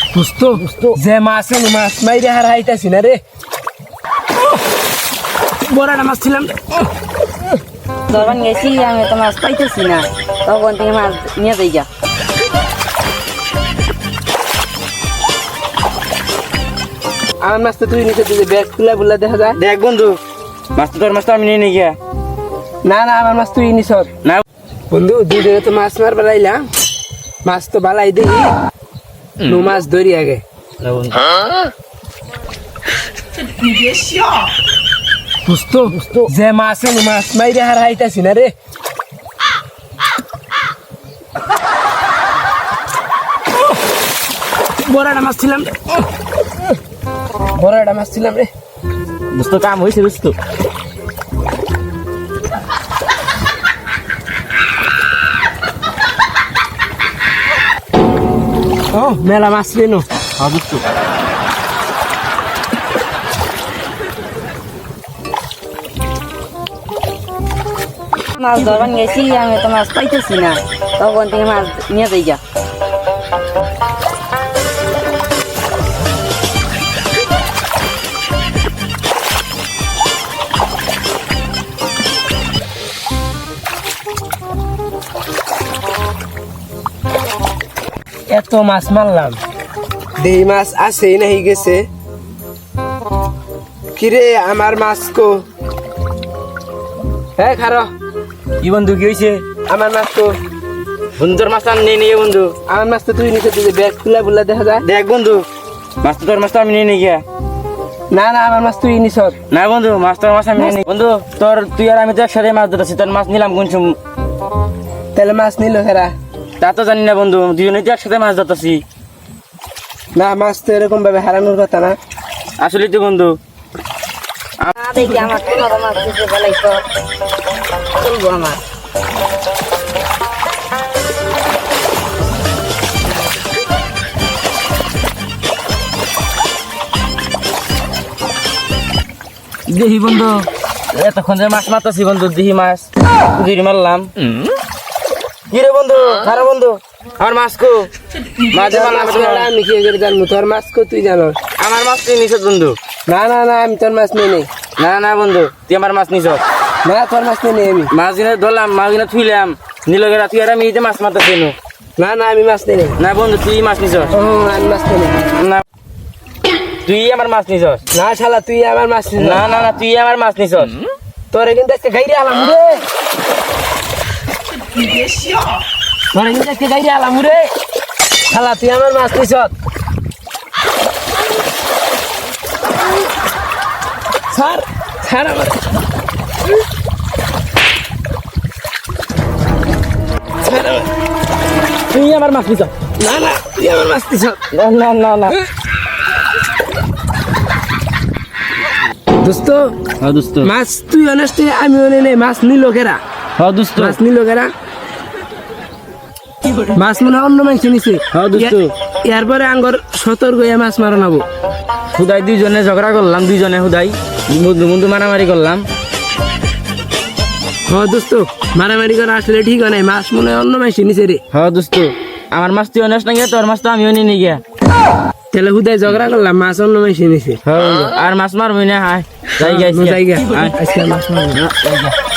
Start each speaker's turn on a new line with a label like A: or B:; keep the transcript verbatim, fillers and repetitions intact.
A: দোস্ত যে মাছ আছে মাছ মাইরে হারাইতাছি না রে। বড়টা মাছ ছিলাম
B: যখন গেছি আমি তো মাছ পাইতেছি না, তখন থেকে মাছ নিয়ে যাই গা।
A: আমার মাছ তো তুই নিচে তুই ব্যাগ খুলা বুলা দেখা যায়।
C: দেখ বন্ধু, মাছ তো তোর মাছ তো আমি নিয়ে নিয়ে গিয়া।
A: না না আমার মাছ তুই নিছ
C: না
A: বন্ধু, দুজনে তো মাছ মার বেলাইলাম, মাছ তো বালাই দেখি নু মাছ ধরি আগে। দোস্ত যে মাছ আছে মাছ মাইরে হারাইতাছি না রে। বড়টা মাছ ছিলাম বড়টা মাছ ছিলাম রে।
C: দোস্ত কাম হয়েছে দোস্ত।
A: ও মেলা মাছ লেনো।
C: হ্যাঁ দোস্ত।
B: মাছ ধরবার গেছি আমি তো মাছ পাইতেছি না, তখন থেকে মাছ নিয়ে যাই গা।
A: এত মাছ মারলাম, দেই মাছ আসেই নাই গেছে। কিরে আমার মাছ কো? হ্যাঁ খারো।
C: কি বন্ধু কি হয়েছে?
A: আমার মাছ কো?
C: বন্ধু তোর মাছ তো আমি নিয়ে নিয়ে বন্ধু।
A: আমার মাছ তো তুই নিচে তুই ব্যাগ খুলা বুলা দেখা যায়।
C: দেখ বন্ধু, মাছ তো তোর মাছ তো আমি নিয়ে নিয়ে গিয়া।
A: না না আমার মাছ তুই নিছ।
C: না বন্ধু, মাছ তোর মাছ আমি নিয়ে নিই। বন্ধু তোর তুই আর আমি তো একসাথে মাছ ধরেছি, তোর মাছ নিলাম কোন সময়?
A: তাহলে মাছ নিল হেরা?
C: তা তো জানি না বন্ধু, দুজনে তো একসাথে মাছ ধরতেছি।
A: না মাছ তো এরকম ভাবে হারানোর কথা না।
C: আসলে তো বন্ধু
B: না দেখি আমার পনেরো মাছ দিতে বেলাই তো চলবো আমার।
C: দেখি বন্ধু, এতক্ষণ যে মাছ মারতেছি বন্ধু, দেখি মাছ দুই মারলাম। কি রে বন্ধু? খারাপ বন্ধু, আমার মাছ কো? মাছ মারলাম
A: আমি কি করে জানবো তোর মাছ কো? তুই জানো
C: আমার মাছ তুই নিছ বন্ধু।
A: না না না আমি তোর মাছ নিয়ে নেই।
C: না না বন্ধু, তুই আমার মাছ নিছ
A: না তোর মাছ নিয়ে নেই আমি।
C: মাছ কিনে ধরলাম, মাছ কিনে থুইলাম, নিলগেরা তুই আর আমি এই যে মাছ মারতেছি।
A: না না আমি মাছ নিয়ে নেই।
C: না বন্ধু, তুই মাছ নিছ।
A: ও আমি মাছ নিয়ে নেই।
C: না তুই আমার মাছ নিছ।
A: না শালা তুই আমার মাছ নিছ।
C: না না না তুই আমার মাছ নিছ।
A: তোরে কিন্তু আজকে গাইরে আলাম রে। তোরে কিন্তু আজকে গাইরে আলাম রে। শালা তুই আমার মাছ নিছ। স্যার স্যার আমার স্যার আমার
C: তুই আমার মাছ নিছ।
A: না না তুই আমার মাছ নিছ।
C: না না না না
A: দোস্ত
C: হ্যাঁ দোস্ত।
A: মাছ তুই অনেস্টে আমি অনে নেই। মাছ নিল কেরা?
C: হ্যাঁ দোস্ত।
A: মাছ নিল কেরা? মাছ মনে হয় অন্য মানুষ নিছে।
C: হ্যাঁ দোস্ত।
A: এরপরে আঙ্গর সতর্ক হয়ে মাছ মারানাবো।
C: হুদাই দুইজনে ঝগড়া করলাম, দুইজনে হুদাই বন্ধু বন্ধু মারামারি করলাম।
A: হ্যাঁ দোস্ত মারামারি করা আসলে ঠিক হয় নাই। মাছ মনে হয় অন্য মানুষ নিছে রে।
C: হ্যাঁ দোস্ত, আমার মাছ তুই অনেস না গিয়া, তোর মাছ তো আমিও নিয়ে নিয়ে গিয়া।
A: তাহলে হুদায় ঝগড়া করলাম, মাছ অন্য মানুষ নিছে।
C: হ্যাঁ বন্ধু, আর মাছ মারবি না? হায় যাই
A: জায়গা
C: গেছি।
A: আজকে মাছ মারবো।